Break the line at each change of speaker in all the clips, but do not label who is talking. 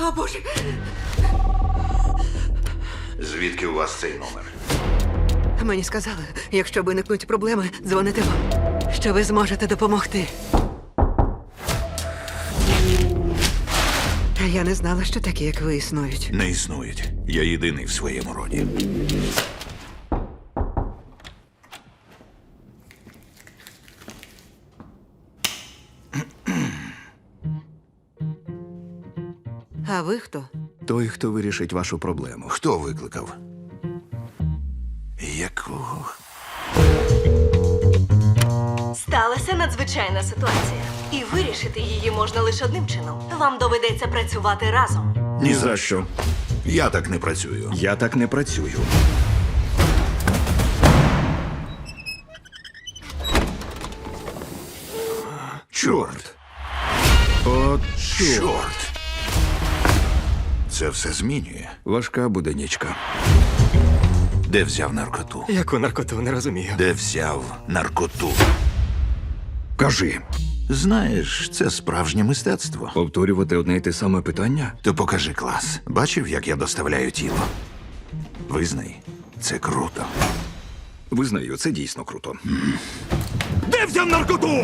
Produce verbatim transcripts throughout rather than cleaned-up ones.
О, Боже!
Звідки у вас цей номер?
Мені сказали, якщо виникнуть проблеми, дзвоните вам, що ви зможете допомогти. Та я не знала, що такі, як ви, існують.
Не існують. Я єдиний в своєму роді.
А ви хто?
Той, хто вирішить вашу проблему.
Хто викликав? Якого?
Сталася надзвичайна ситуація. І вирішити її можна лише одним чином. Вам доведеться працювати разом.
Ні за що.
Я так не працюю.
Я так не працюю.
Чорт!
От чорт.
Чорт! Це все змінює.
Важка буде нічка.
Де взяв наркоту?
Яку наркоту, не розумію.
Де взяв наркоту?
Кажи,
Знаєш, це справжнє мистецтво.
повторювати одне й те саме питання?
То покажи клас. Бачив, як я доставляю тіло? Визнай, це круто.
Визнаю, це дійсно круто. Де взяв наркоту?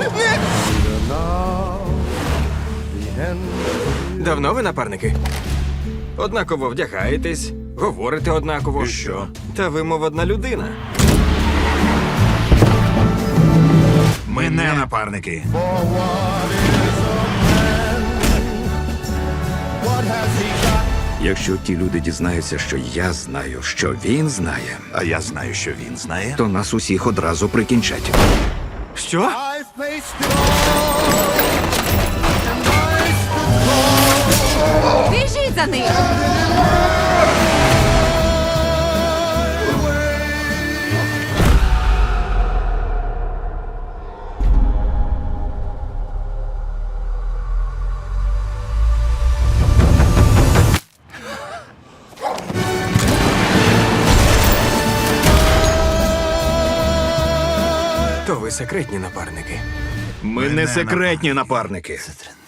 Давно ви напарники? Однаково вдягаєтесь, говорите однаково.
І що?
Та ви, мов одна людина.
Ми не напарники.
Якщо ті люди дізнаються, що я знаю, що він знає,
А я знаю, що він знає.
то нас усіх одразу прикінчать.
Що?
Біжіть за ним!
То ви секретні напарники.
Ми не секретні напарники.